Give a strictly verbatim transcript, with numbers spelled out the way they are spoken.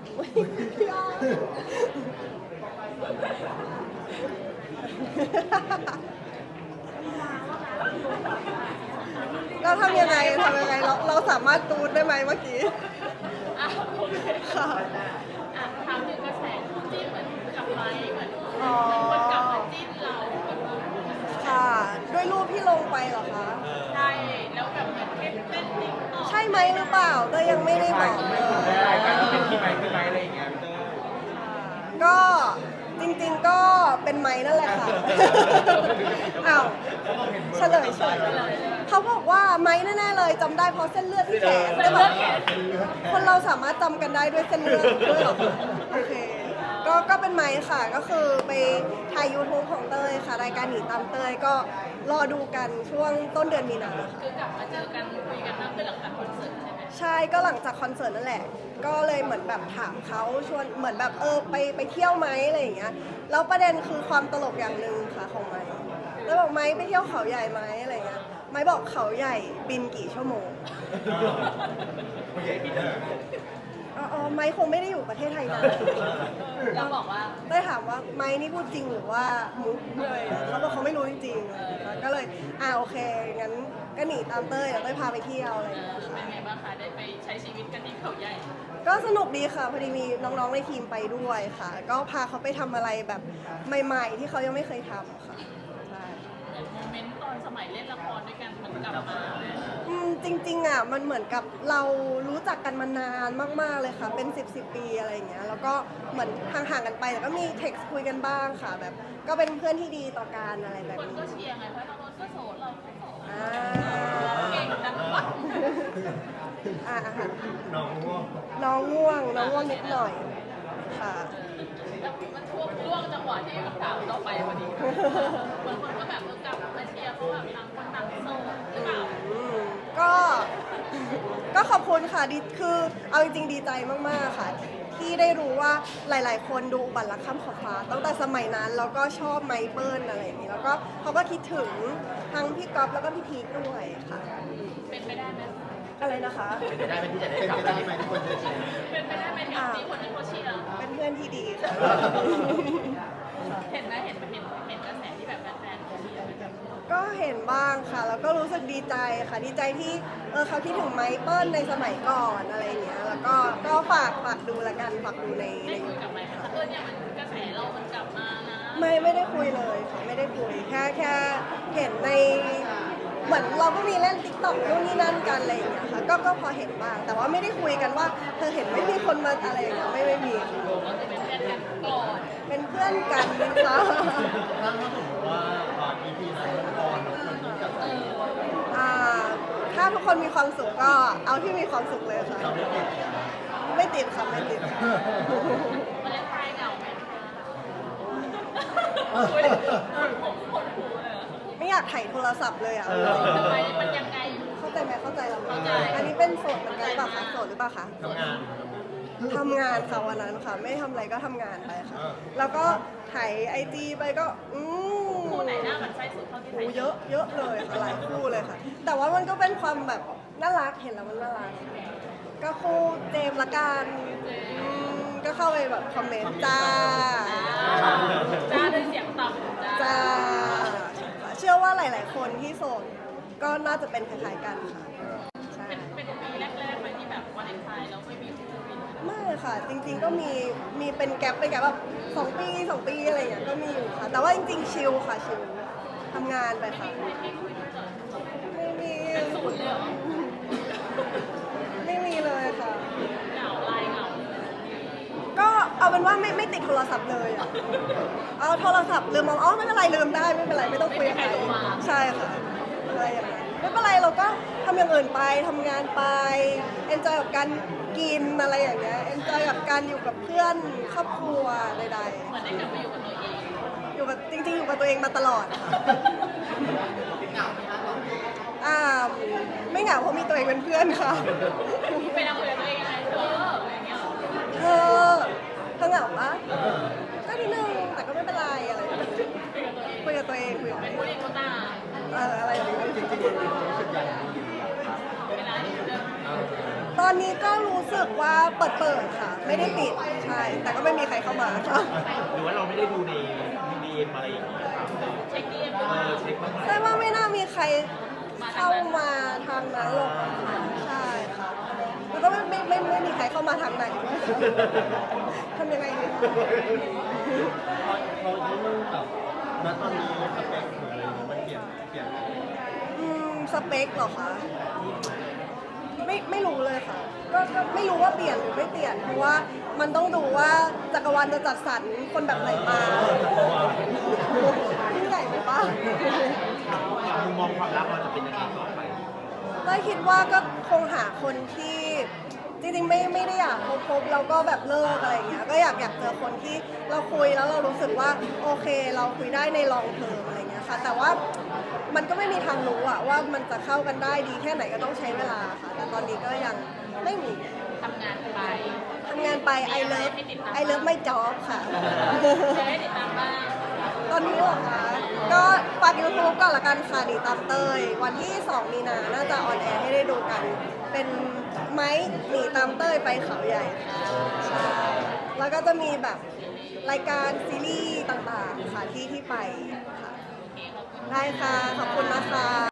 พี่อ้อเราทำยังไงทำยังไงเราเราสามารถตูดได้ไหมเมื่อกี้อ่ะโอเคค่ะอ่ะถามถึงกระแสคู่จิ้นเหมือนกับไม้เหมือนอ๋อคนกลับมาจิ้นเราแบบค่ะด้วยรูปที่ลงไปเหรอคะใช่แล้วแบบเหมือนเต้นเต้นติ๊กต็อกใช่ไหมหรือเปล่าเตยยังไม่ได้บอกเลยรายการที่เป็นที่ไหมที่ไหมอะไรอย่างเงี้ยพี่เตอร์ก็จริงๆก็เป็นไม้นั่นแหละค่ะ อ้าวเฉลยเฉยเขาบอกว่าไม้แน่ๆเลยจำได้เพราะเส้นเลือดที่แขนแต่แบบคนเราสามารถจำกันได้ด้วยเส้นเลือดด้วยเหรอคะโอเคก็ก็เป็นไม้ค่ะก็คือไปถ่าย ยูทูบ ของเตยค่ะรายการหนีตามเตยก็รอดูกันช่วงต้นเดือนมีนาค่ะคือกลับมาเจอกันคุยกันมากขึ้นหลังจากคอนเสิร์ตใช่ไหมใช่ก็หลังจากคอนเสิร์ตนั่นแหละก็เลยเหมือนแบบถามเขาชวนเหมือนแบบเออไปไปเที่ยวไหมอะไรอย่างเงี้ยแล้วประเด็นคือความตลกอย่างหนึ่งค่ะของไม้แล้วบอกไม้ไปเที่ยวเขาใหญ่ไหมอะไรเงี้ยไม้บอกเขาใหญ่บินกี่ชั่วโมงผู้ใหญ่พี่เตอร์อ๋อไม้คงไม่ได้อยู่ประเทศไทยนานเราบอกว่าได้ถามว่าไม้นี่พูดจริงหรือว่ามุกเลยเขาบอกเขาไม่รู้จริงๆก็เลยอ่าโอเคงั้นก็หนีตามเต้ยแล้วเต้ยพาไปเที่ยวอะไรอย่างเงี้ยเป็นไงบ้างคะได้ไปใช้ชีวิตกันที่เขาใหญ่ก็สนุกดีค่ะพอดีมีน้องๆในทีมไปด้วยค่ะ ก็พาเขาไปทำอะไรแบบใหม่ๆที่เขายังไม่เคยทำค่ะใช่โมเมนต์ตอนสมัยเล่นละครด้วยกันมันกลับมาอืมจริงๆอ่ะมันเหมือนกับเรารู้จักกันมานานมากๆเลยค่ะเป็นสิบสิบปีอะไรอย่างเงี้ยแล้วก็เหมือนห่างๆกันไปแต่ก็มีเท็กซ์คุยกันบ้างค่ะแบบก็เป็นเพื่อนที่ดีต่อกันอะไรแบบคนนี้ก็เชียร์ไงเพราะเราก็โสดเราก็โสดอ่าเก่งจังวะอ่าค่ะน้องง่วงน้องง่วงน้องง่วงนิดหน่อยค่ะแล้วมันช่วงช่วงจังหวะที่กับสาวต่อไปพอดีบางคนก็แบบเออกลับมาเชียร์เพราะแบบต่างคนต่างโสดหรือเปล่าก็ก็ขอบคุณค่ะดีคือเอาจริงๆดีใจมากๆค่ะที่ได้รู้ว่าหลายๆคนดูบัตรลักข้ามขอบฟ้าตั้งแต่สมัยนั้นแล้วก็ชอบไมเปิลอะไรอย่างนี้แล้วก็เขาก็คิดถึงทั้งพี่ก๊อฟแล้วก็พี่พีคด้วยค่ะเป็นไปได้ไหมอะไรนะคะเป็นไปได้ไหมที่จะได้กลับไปที่ไหมทุกคนจะเชียร์เป็นไปได้ไหมที่มีคนที่เขาเชียร์เป็นเพื่อนที่ดีค่ะเห็นไหมเห็นเห็นเห็นกระแสที่แบบแฟนๆเขาเชียร์ก็เห็นบ้างค่ะแล้วก็รู้สึกดีใจค่ะดีใจที่เออเขาคิดถึงไมเปิลในสมัยก่อนอะไรอย่างเงี้ยแล้วก็ก็ฝากฝากดูละกันฝากดูในในได้คุยกับไหมคะเออเนี่ยมันกระแสเรามันกลับมานะไม่ไม่ได้คุยเลยค่ะไม่ได้คุยแค่แค่เห็นในเหมือนเราก็มีเล่นติ๊กต็อกนู่นนี่นั่นกันอะไรอย่างเงี้ยค่ะก็ก็พอเห็นบ้างแต่ว่าไม่ได้คุยกันว่าเธอเห็นไม่มีคนมาอะไรอย่างเงี้ยไม่ไม่มีก็จะเป็นเพื่อนกันก่อนเป็นเพื่อนกันนะคะถ้าสมมติว่าตอน อี พี นั้นมันออนคนนี้กับเอออ่าถ้าทุกคนมีความสุขก็เอาที่มีความสุขเลยค่ะไม่ติดค่ะไม่ติดมันเล่นไพ่เหงาไหมคนผมคนหูเลยไม่อยากถ่ายโทรศัพท์เลยอ่ะทำไมมันยังไงเข้าใจไหมเข้าใจเราเข้าใจอันนี้เป็นโสดเหมือนกันหรือเปล่าคะโสดหรือเปล่าคะทำงานทำงานค่ะวันนั้นค่ะไม่ทำอะไรก็ทำงานไปค่ะแล้วก็ถ่ายไอจีไปก็อืมคู่ไหนหน้ามันใช่สุดเท่าที่โอ้เยอะเยอะเลยค่ะหลายคู่เลยค่ะแต่ว่ามันก็เป็นความแบบน่ารักเห็นแล้วมันน่ารักก็คู่เจมละกันก็เข้าไปแบบคอมเมนต์จ้าจ้าด้วยเสียงต่ำจ้าเชื่อว่าหลายๆคนที่โสดก็น่าจะเป็นคล้ายๆกันค่ะเป็นเป็นปีแรกๆไหมที่แบบวาเลนไทน์แล้วไม่มีคู่บินไม่ค่ะจริงๆก็มีมีเป็นแกลบเป็นแกลบแบบสองปีสองปีอะไรอย่างเงี้ยก็มีอยู่ค่ะแต่ว่าจริงๆชิลค่ะชิลทำงานไปค่ะไม่มีศูนย์เลยเหรอไม่มีเลยค่ะเหงาลายเหงาก็เอาเป็นว่าไม่ไม่ติดโทรศัพท์เลยอ่ะเอาโทรศัพท์ลืมมองอ๋อไม่เป็นไรลืมได้ไม่เป็นไรไม่ต้องคุยกับใครใช่ค่ะอะไรอย่างนั้นไม่เป็นไรเราก็ทำอย่างอื่นไปทำงานไปเอนจอยกับการกินอะไรอย่างเงี้ยเอนจอยกับการอยู่กับเพื่อนครอบครัวใดๆเหมือนได้กลับมาอยู่กับตัวเองอยู่กับจริงๆอยู่กับตัวเองมาตลอดอ่าไม่เหงาเพราะมีตัวเองเป็นเพื่อนค่ะไปนั่งคุยกับตัวเองยังไงเธออย่างเงี้ยเธอเธอเหงาปะก็นิดนึงแต่ก็ไม่เป็นไรอะไรคุยกับตัวเองคุยกับตัวเองเป็นผู้เล่นโคต้าเอออะไรอย่างเงี้ยจริงๆมันรู้สึกอย่างเวลาที่เดินตอนนี้ก็รู้สึกว่าเปิดเปิดค่ะ ไไม่ได้ปิดใช่ แต่ก็ไม่มีใครเข้ามาค่ะหรือว่าเราไม่ได้ดูในดีเอ็มอะไรอย่างเงี้ยครับเช็คดีเอ็มเออเช็คบ้างไหมแต่ว่าไม่น่ามีใครเข้ามาทางนั้นหรอกค่ะใช่ค่ะแล้วก็ไม่ไม่ไม่ไม่มีใครเข้ามาทางไหนด้วยทำยังไงดีเขาเขาเรื่องแบบณตอนนี้สเปคหรืออะไรมันเปลี่ยนเปลี่ยนอืมสเปคเหรอคะไม่ไม่รู้เลยค่ะก็ก็ไม่รู้ว่าเปลี่ยนหรือไม่เปลี่ยนเพราะว่ามันต้องดูว่าจักรวาลจะจัดสรรคนแบบไหนมายิ่งใหญ่ไหมป้ามุมมองความรักเราจะเป็นยังไงต่อไปก็คิดว่าก็คงหาคนที่จริงๆไม่ไม่ได้อยากคบคบแล้วก็แบบเลิกอะไรอย่างเงี้ยก็อยากอยากเจอคนที่เราคุยแล้วเรารู้สึกว่าโอเคเราคุยได้ในลองเทอมอะไรเงี้ยค่ะแต่ว่ามันก็ไม่มีทางรู้อะว่ามันจะเข้ากันได้ดีแค่ไหนก็ต้องใช้เวลาค่ะแต่ตอนนี้ก็ยังไม่มีทำงานไปทำงานไป I love I love my job ค่ะจะได้ติดตามบ้างตอนนี้เหรอคะ ก็ฝากยูทูบก่อนละกันค่ะดีตามเตย วันที่สองมีนา น่าจะออนแอร์ให้ได้ดูกัน เป็นไม้หนีตามเตยไปเขาใหญ่ค่ะใช่ แล้วก็จะมีแบบรายการซีรีส์ต่างๆ ค่ะที่ที่ไปค่ะ ได้ค่ะ ขอบคุณนะคะ